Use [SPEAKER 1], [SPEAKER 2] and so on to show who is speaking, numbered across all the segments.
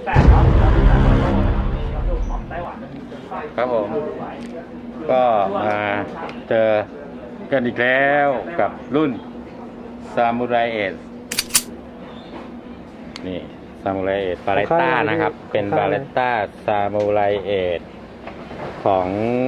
[SPEAKER 1] 8เนาะของไต้หวัน
[SPEAKER 2] ครับผมก็มาเจอกันอีกแล้วกับรุ่นซามูไรเอสนี่ซามูไรเอสบาเลต้านะครับเป็นบาเลต้าซามูไรเอสของ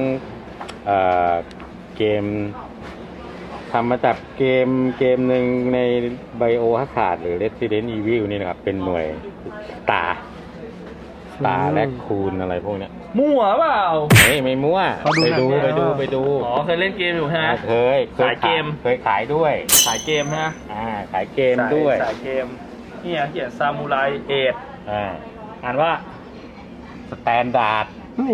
[SPEAKER 2] เกมทำมาจากเกมหนึ่งในไบโอฮัคาร์ดหรือ Resident Evil นี่นะครับเป็นหน่วยตาและคูณอะไรพวกเนี้ย
[SPEAKER 1] มั่วเปล่า
[SPEAKER 2] ไม่มั่วไปดู
[SPEAKER 1] อ๋อเคยเล่นเกมอยู่ฮะ
[SPEAKER 2] เคย
[SPEAKER 1] ขายเกม
[SPEAKER 2] เคยขายด้วย
[SPEAKER 1] ขายเกมฮะ
[SPEAKER 2] ขายเกมด้วย
[SPEAKER 1] ขายเกมนี่เขียนซามูไรเอทอ่านว่า
[SPEAKER 2] สแตนดาร์ด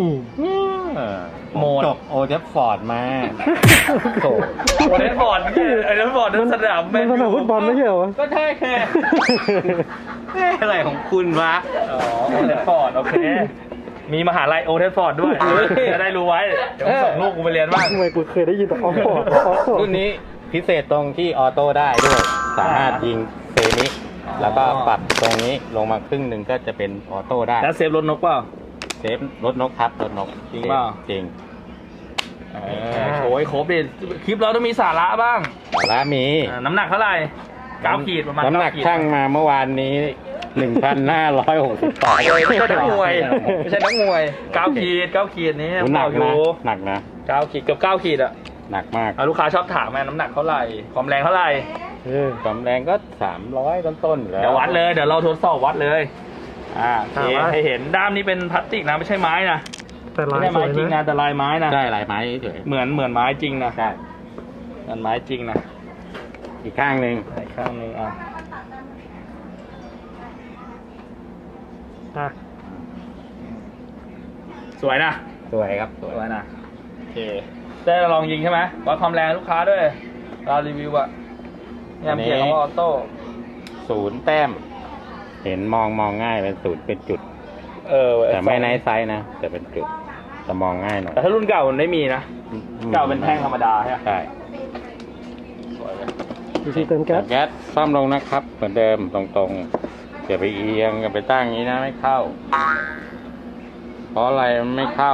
[SPEAKER 1] โหมด
[SPEAKER 2] จบโอเดฟฟอร์ดมา
[SPEAKER 1] โอเดฟฟอร์ดไอ้เดฟฟอร์ดนั่นสนาม
[SPEAKER 3] มันสนามฟุตบอลไม่ใช่เหรอ
[SPEAKER 1] ก็ใช่แค่
[SPEAKER 2] อะไรของคุณวะ
[SPEAKER 1] อ๋อโอเดฟฟอร์ดโอเคมีมหาลัยโอเดฟฟอร์ดด้วยจะได้รู้ไว้เดี๋ยวส่งลูกกูไปเรียนบ้าง
[SPEAKER 3] ทำไมกูเคยได้ยินแต่ออฟฟอร์ด
[SPEAKER 2] รุ่นนี้พิเศษตรงที่ออโต้ได้ด้วยสามารถยิงเซมิแล้วก็ปรับตรงนี้ลงมาครึ่งหนึ่งก็จะเป็นออโต้ได้
[SPEAKER 1] แล้วเซฟรถนกเปล่า
[SPEAKER 2] เซฟรถนกครับรถนก
[SPEAKER 1] จริงเปล่า
[SPEAKER 2] จริง
[SPEAKER 1] โอ้ยครบดิคลิปเราต้องมีสาระบ้าง
[SPEAKER 2] สาระมี
[SPEAKER 1] น้ำหนักเท่าไหร่9 ขีดประมาณ
[SPEAKER 2] น้ำหนักช่างมาเมื่อวานนี้ 1,560 ปอนด์
[SPEAKER 1] ไม่ใช่นักมวย9 ขีดนี่
[SPEAKER 2] หนักนะ
[SPEAKER 1] 9 ขีดเกือบ9 ขีดอะ
[SPEAKER 2] หนักมาก
[SPEAKER 1] ลูกค้าชอบถามน้ำหนักเท่าไหร่ความแรงเท่าไหร่
[SPEAKER 2] ความแรงก็300ต้นๆแล้ว
[SPEAKER 1] เดี๋ยววัดเลยเดี๋ยวเราทดสอบวัดเลยให้เห็นด้ามนี้เป็นพลาสติกนะไม่ใช่ไม้นะ
[SPEAKER 3] แต่ลาย
[SPEAKER 1] ไม้จริงนะแต่ลายไม้นะ
[SPEAKER 2] ใช่ลายไม้เฉย
[SPEAKER 1] เหมือนไม้จริงนะ
[SPEAKER 2] ใช่
[SPEAKER 1] เหมือนไม้จริงนะ
[SPEAKER 2] อีกข้างหนึ่ง
[SPEAKER 1] สวยนะ
[SPEAKER 2] สวยครับ
[SPEAKER 1] สวยนะโอเคได้ลองยิงใช่ไหมวัดความแรงลูกค้าด้วยเรารีวิวอะเนี่ยเขียนคำว่าออโต้
[SPEAKER 2] 0 แต้มเห็นมองง่ายเป็น0เป็นจุดแต่ไม่ไนท์ไซส์นะแต่เป็นจุดแต่มองง่ายหน่อย
[SPEAKER 1] แต่ถ้ารุ่นเก่ามันไม่มีนะเก่าเป็นแท่งธรรมดาใช่ไหม
[SPEAKER 2] ใช่
[SPEAKER 1] สวยเลย
[SPEAKER 3] เติมแก๊ส
[SPEAKER 2] ซ่อมลงนะครับเหมือนเดิมตรงๆอย่าไปเอียงอย่าไปตั้งอย่างนี้นะไม่เข้าเพราะอะไรมันไม่เข้า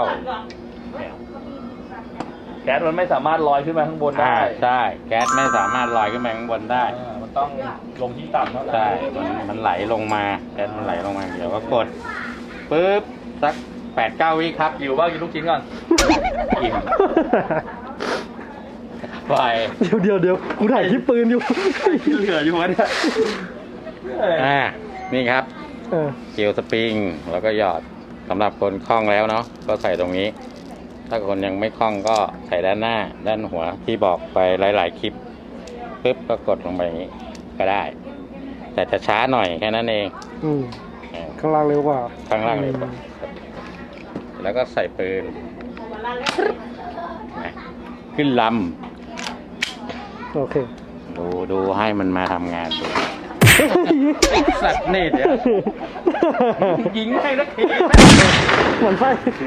[SPEAKER 1] แก๊สมันไม่สามารถลอยขึ้นมาข้างบนได้
[SPEAKER 2] ใช่แก๊สไม่สามารถลอยขึ้นมาข้างบนได้
[SPEAKER 1] มันต้องลงที่ต่ำเท่านั้น
[SPEAKER 2] ใช่มันไหลลงมาแก๊สมันไหลลงมาเดี๋ยวก็กดปึ๊บสัก 8-9 วิครับ
[SPEAKER 1] อยู่ว่ากินลูกชิ้นก่อน
[SPEAKER 2] อิ่มไป
[SPEAKER 3] เดี๋ยวกูถ่ายคลิปปืนอยู่
[SPEAKER 1] เหลืออยู่วะเนี่ย
[SPEAKER 2] นี่ครับเกลียวสปริงแล้วก็หยอดสำหรับคนคล่องแล้วเนาะก็ใส่ตรงนี้ถ้าคนยังไม่คล่องก็ใส่ด้านหน้าด้านหัวที่บอกไปหลายๆคลิปปึ๊บก็กดลงไปอย่างนี้ก็ได้แต่จะช้าหน่อยแค่นั้นเอง
[SPEAKER 3] ข้างล่างเร็วกว่า
[SPEAKER 2] ข้างล่างเร็วกว่าแล้วก็ใส่ปืนขึ้นล
[SPEAKER 3] ำโอเค
[SPEAKER 2] ดูให้มันมาทำงานดูสัตว์นี่เดี๋ยว
[SPEAKER 1] ยิงให้นักที
[SPEAKER 3] เหมือนไฟ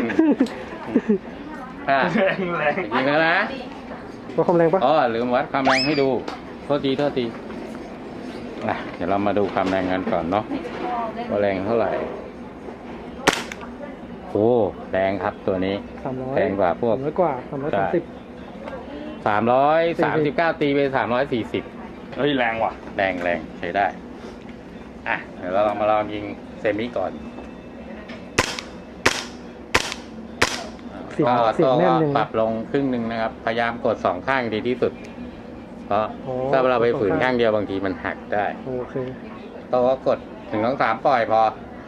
[SPEAKER 1] แรง
[SPEAKER 2] ยิงแล้วนะ
[SPEAKER 3] วัดความแรงปะ
[SPEAKER 2] ลืมวัดความแรงให้ดูโทษทีเดี๋ยวเรามาดูความแรงกันก่อนเนาะว่าแรงเท่าไหร่โอ้แรงครับตัวนี้
[SPEAKER 3] 300
[SPEAKER 2] แรงกว่าพวก
[SPEAKER 3] 339
[SPEAKER 2] ตีไป340
[SPEAKER 1] เฮ้ยแรงว่ะ
[SPEAKER 2] แรงใช้ได้เดี๋ยวเรามาลองยิงเซมิก่อนก็ปรับลงครึ่งหนึ่งนะครับพยายามกด2ข้างดีที่สุดเพราะถ้าเราไปฝืนข้างเดียวบางทีมันหักได้
[SPEAKER 3] โอเค
[SPEAKER 2] ต้องกด1-3ปล่อยพอ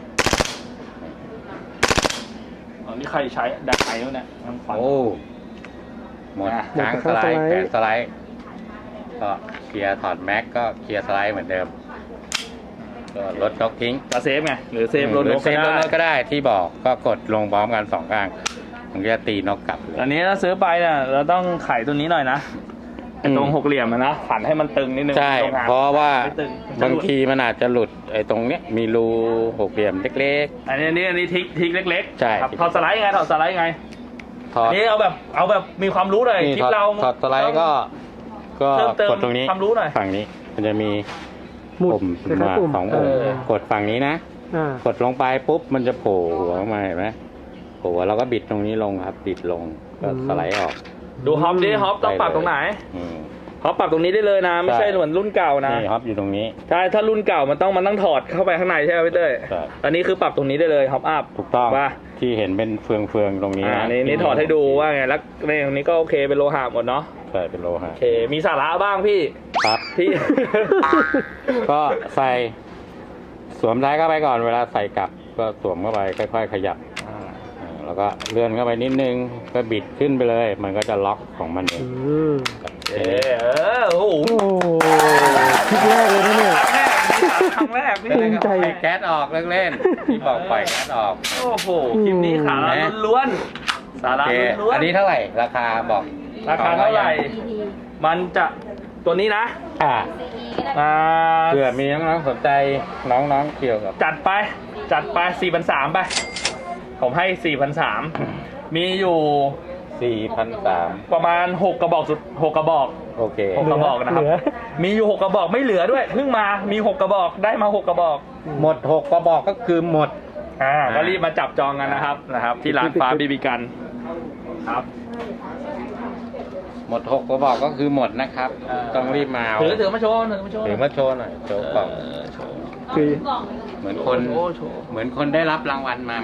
[SPEAKER 1] นี่ใครใช้ดักไฟแล้วเนี่ย
[SPEAKER 2] หมดค้างสไลด์แขนสไลด์ก็เคลียร์ถอดแม็กก็เคลียร์สไลด์เหมือนเดิมก็ลดน็อกทิ้ง
[SPEAKER 1] เซฟไงหรือเซฟรถนก
[SPEAKER 2] ก็ได้ที่บอกก็กดลงพร้อมกัน2ข้างมันจะตีน็อกกลับ
[SPEAKER 1] อันนี้ถ้าซื้อไปเนี่ยเราต้องไขตัวนี้หน่อยนะตรง6 เหลี่ยมนะผันให้มันตึงนิดนึง
[SPEAKER 2] ใช่เพราะว่าบางทีมันอาจจะหลุดไอ้ตรงเนี้ยมีรู6 เหลี่ยมเล็ก
[SPEAKER 1] ๆอันนี้ทิกเล็ก
[SPEAKER 2] ๆใช่
[SPEAKER 1] ถอดสไลด์ไงนี่เอาแบบมีความรู้หน่อยคลิปเรา
[SPEAKER 2] ถอดสไลด์ก็กดตรงนี้
[SPEAKER 1] ความรู้หน่อย
[SPEAKER 2] ฝั่งนี้มันจะมีปุ่มมา2 ปุ่มกดฝั่งนี้นะ
[SPEAKER 3] อ่า
[SPEAKER 2] กดลงไปปุ๊บมันจะโผล่หัวออกมาเห็นไหมโผล่หัวเราก็บิดตรงนี้ลงครับ บิดลงก็สไลด์ออก
[SPEAKER 1] ดูฮอปดิฮอปต้องปรับตรงไหน
[SPEAKER 2] อืม
[SPEAKER 1] ฮอปปรับตรงนี้ได้เลยนะ ไม่ใช่เหมือนรุ่นเก่านะ
[SPEAKER 2] นี่ฮอปอยู่ตรงนี้
[SPEAKER 1] ใช่ถ้ารุ่นเก่ามันต้องถอดเข้าไปข้างในใช่ไหมพี่เต้ย
[SPEAKER 2] ใช่
[SPEAKER 1] อันนี้คือปรับตรงนี้ได้เลยฮอปอัพ
[SPEAKER 2] ถูกต้อง
[SPEAKER 1] ว่า
[SPEAKER 2] ที่เห็นเป็นเฟืองๆตรงนี้นะ
[SPEAKER 1] นี่ถอดให้ดูว่าไงแล้วในตรงนี้ก็โอเคเป็นโลหะหมดเนาะ
[SPEAKER 2] ใช่เป็นโลหะ
[SPEAKER 1] โอเคมีสาระบ้างพี่
[SPEAKER 2] ครับ
[SPEAKER 1] ที่
[SPEAKER 2] ก็ใส่สวมท้ายเข้าไปก่อนเวลาใส่กลับก็สวมเข้าไปค่อยๆขยับแล้วก็เลื่อนเข้าไปนิดนึงก็บิดขึ้นไปเลย มันก็จะล็อกของมันเอง
[SPEAKER 1] โอ้โห
[SPEAKER 3] โอ้คลิปแรกเลยนะเนี่ย
[SPEAKER 1] ครั้งแรกพี่
[SPEAKER 3] ภูมิใจ
[SPEAKER 2] ปล่อยแก๊สออกเล่นๆที่บอกปล่อยแก๊สออก
[SPEAKER 1] โอ้โหคลิปนี้สาระล้วนๆสา
[SPEAKER 2] โอ
[SPEAKER 1] ระ
[SPEAKER 2] เค
[SPEAKER 1] ล้วนๆ
[SPEAKER 2] อันนี้เท่าไหร่ราคาบอก
[SPEAKER 1] ราคาเท่าไหร่ มันจะตัวนี้นะ
[SPEAKER 2] อ่า
[SPEAKER 1] อ่า
[SPEAKER 2] เผื่อมีน้องๆสนใจน้องๆเกี่ยวกับ
[SPEAKER 1] จัดไป4,300ไปผมให้4,300มีอยู่
[SPEAKER 2] 4,300
[SPEAKER 1] ประมาณ6กระบอกสุด6กระบอก
[SPEAKER 2] โอเค
[SPEAKER 1] 6กระบอกนะครับ
[SPEAKER 3] เหลือ
[SPEAKER 1] มีอยู่6กระบอกไม่เหลือด้วยเพิ่งมามี6กระบอกได้มา6กระบอก
[SPEAKER 2] หมด6กระบอกก็คือหมด
[SPEAKER 1] ก็รีบมาจับจองกันนะครับ ที่ร้านฟ้าบีบีกันครับ
[SPEAKER 2] หมด6กระบอกก็คือหมดนะครับ ต้องรีบมาเอา
[SPEAKER 1] ถือมาโชว์ถือมาโชว์
[SPEAKER 2] ถือมาโชว์หน่อยโชว์กล่อง
[SPEAKER 1] โชว์
[SPEAKER 3] คือ
[SPEAKER 2] เหมือนคน
[SPEAKER 1] โชว์โชว์
[SPEAKER 2] เหมือนคนได้รับรางวัลมาไหม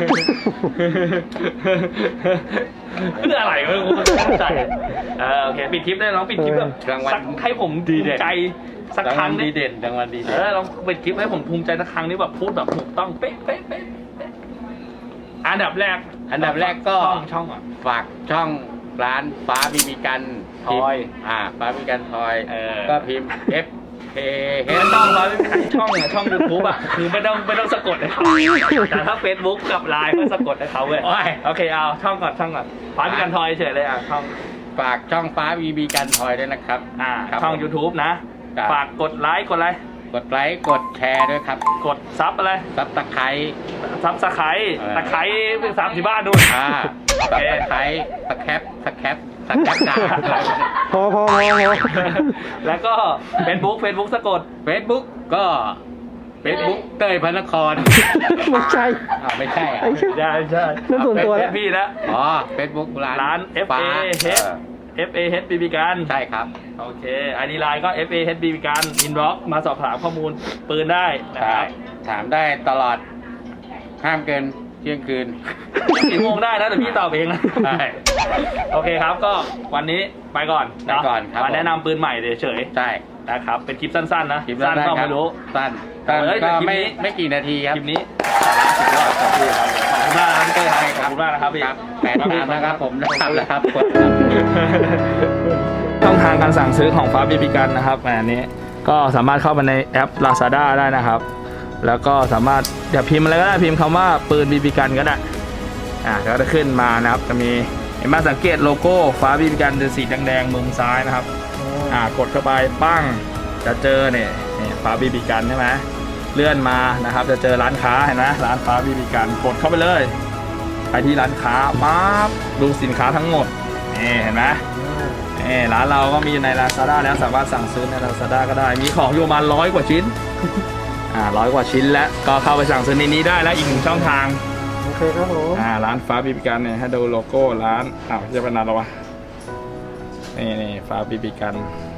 [SPEAKER 1] เพื่ออะไรไม่รู้เข้าใจโอเคปิดคลิปได้น้องปิดคลิปแบบ
[SPEAKER 2] รางวัล
[SPEAKER 1] สักให้ผมภูมิใจสักครั้ง
[SPEAKER 2] ดี
[SPEAKER 1] นี้
[SPEAKER 2] เด่นรางวัลดีเด่น
[SPEAKER 1] ลองปิดคลิปให้ผมภูมิใจสักครั้งนี้แบบพูดแบบถูกต้องเป๊ะเป๊ะเป๊ะเป๊ะอันดับแรก
[SPEAKER 2] อันดับแรกก็
[SPEAKER 1] ช่องอ่ะ
[SPEAKER 2] ฝากช่องร้านฟ้าบีบีกัน
[SPEAKER 1] ทอย
[SPEAKER 2] ฟ้าบีบีกันทอย
[SPEAKER 1] เออ
[SPEAKER 2] ก็พิมพ์ F A
[SPEAKER 1] เห็นต้องร้อยช่องอ่ะช่อง YouTube อ่ะคือไม่ต้องสะกดให้เขาแต่ถ้า Facebook กับไลน์ก็สะกดให้เขาเว้ยโอเคเอาช่องก่อนฟ้าบีกันทอยเฉยเลยช่อง
[SPEAKER 2] ฝากช่องฟ้าบีบีกันทอยด้วยนะครับ ครับ
[SPEAKER 1] ช่อง
[SPEAKER 2] ผม
[SPEAKER 1] YouTube นะ
[SPEAKER 2] ครับ
[SPEAKER 1] ฝากกดไลค์กดอะไร
[SPEAKER 2] กดไลค์กดแชร์ด้วยครับ
[SPEAKER 1] กดซับอะไร
[SPEAKER 2] ซับตะไคร้
[SPEAKER 1] ซับสไครต์
[SPEAKER 2] เออ
[SPEAKER 1] ตะไคร้เป็นซับที่บ้านดู
[SPEAKER 2] ซับตะไคร้สแคปด่า
[SPEAKER 3] พอ
[SPEAKER 1] แล้วก็ Facebook สะกด
[SPEAKER 2] Facebook ก็ Facebook เต้ยพระนคร
[SPEAKER 3] ไม่ใช่
[SPEAKER 2] ไม่ใช่อ่ะ
[SPEAKER 3] ไอ้เหี้ย
[SPEAKER 1] ใช่
[SPEAKER 3] นั่นส่วนตัว
[SPEAKER 1] เป็
[SPEAKER 3] แล้ว
[SPEAKER 1] นพี่นะ
[SPEAKER 2] อ๋อ Facebook
[SPEAKER 1] ร้าน
[SPEAKER 2] ฟ้า
[SPEAKER 1] FAH BB กัน
[SPEAKER 2] ใช่ครับ
[SPEAKER 1] โอเคอันนี้ไลน์ก็ FAH BB กันอินบ็อกมาสอบถามข้อมูลปืนได้นะค
[SPEAKER 2] ใช่
[SPEAKER 1] รับ
[SPEAKER 2] ถามได้ตลอด ห้ามเกินเที่ยงคืน
[SPEAKER 1] 4 โมงได้นะแต่พี่ตอบเองนะ
[SPEAKER 2] ใช่
[SPEAKER 1] โอเคครับก็วันนี้ไปก่อน
[SPEAKER 2] ไปก่อนครับ
[SPEAKER 1] มาแนะนำปืนใหม่เฉย
[SPEAKER 2] ใช่
[SPEAKER 1] ๆนะครับเป็นคลิปสั้นๆนะ
[SPEAKER 2] คลิป
[SPEAKER 1] สั้น
[SPEAKER 2] สั้น
[SPEAKER 1] ก็
[SPEAKER 2] ๆครับ
[SPEAKER 1] ไม่รู้
[SPEAKER 2] สั้น
[SPEAKER 1] เฮ้ยแต่
[SPEAKER 2] ก็
[SPEAKER 1] คลิปนี้
[SPEAKER 2] ไม่กี่นาทีครับ
[SPEAKER 1] คลิปนี้สาระสุดยอดขอบคุณครับขอบคุณมากนะครับพี่เต้ยครับขอบคุณมากนะครับพี่
[SPEAKER 2] ครับ8 นะครับผมนะครับ
[SPEAKER 1] ช่องทางการสั่งซื้อของฟ้าบีบีกันนะครับอันนี้ก็สามารถเข้ามาในแอป Lazada ได้นะครับ แล้วก็สามารถอย่าพิมพ์อะไรก็ได้พิมพ์คำว่าปืนบีบีกันก็ได้ก็จะขึ้นมานะครับจะมีเห็นไหมสังเกตโลโก้ฟ้าบีบีกันเป็นสีแดงๆมุมซ้ายนะครับกดเข้าไปปั้งจะเจอเนี่ยฟ้าบีบีกันใช่ไหมเลื่อนมานะครับจะเจอร้านค้าเห็นไหมร้านฟ้าบีบีกันกดเข้าไปเลยไปที่ร้านค้าปั๊บดูสินค้าทั้งหมดนี่เห็นไหมร้านเราก็มีใน Lazada แล้วสามารถสั่งซื้อใน Lazada ก็ได้มีของอยู่ประมาณ100 กว่าชิ้น100 กว่าชิ้นแล้วก็เข้าไปสั่งซื้อในนี้ได้แล้วอีก1 ช่องทาง
[SPEAKER 3] โอเคครับผม
[SPEAKER 1] ร้านฟ้าบีบีกันเนี่ยให้ดูโลโก้ร้านจะเป็นอะไรวะนี่ฟ้าบีบีกัน